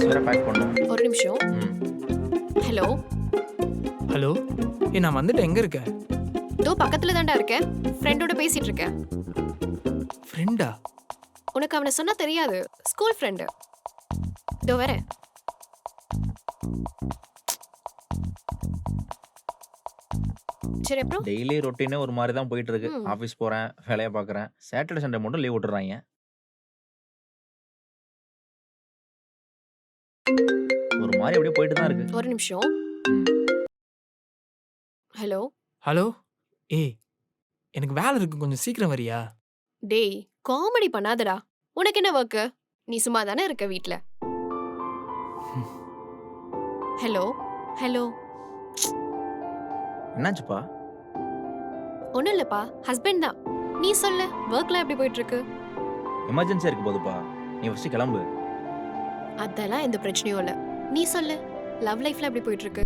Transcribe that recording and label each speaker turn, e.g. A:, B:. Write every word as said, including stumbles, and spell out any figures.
A: Things வேற back பண்ணணும்.
B: ஒரு நிமிஷம்.
A: ம்.
B: ஹலோ.
C: ஹலோ. ஏ நான் வந்துட்டு எங்க இருக்க?
B: தோ பக்கத்துல தான்டா இருக்கேன். ஃப்ரெண்டோட பேசிட்டு இருக்கேன்.
C: ஃப்ரெண்டா?
B: உனக்கு அவனை சொன்னா தெரியாது. School friend. தோ வரேன். சரி அப்புறம்?
A: டெய்லி ரொட்டீனே ஒரு மாதிரி தான் போயிட்டு இருக்கு.
B: ம்.
A: ஆஃபீஸ் போறேன், வேலைய பார்க்குறேன். சாட்டர்டே, சண்டே மட்டும் லீவ் விட்டுர்றாய்ங்க. ஒரு மாதிரி அப்படியே போயிட்டு தான் இருக்கு.
B: ஒரு நிமிஷம்.
A: ம்.
B: ஹலோ.
C: ஹலோ. ஏய் எனக்கு வேலை இருக்கு, கொஞ்சம் சீக்கிரம் வரியா?
B: டேய் காமெடி பண்ணாதடா. உனக்கு என்ன ஒர்க்கு? நீ சும்மா தானே இருக்க வீட்ல. ஹலோ. ஹலோ.
A: என்னாச்சுப்பா?
B: ஒண்ணும் இல்லப்பா. ஹஸ்பண்ட் தான். நீ சொல்லு. ஒர்க்லாம் எப்படி போயிட்டு இருக்கு?
A: எமர்ஜென்சியா இருக்கு போதுப்பா. நீ ஃபர்ஸ்ட் கிளம்பு.
B: அதெல்லாம் எந்த பிரச்சனையும் இல்ல. நீ சொல்லு. லவ் லைஃப்ல எப்படி போயிட்டு இருக்கு?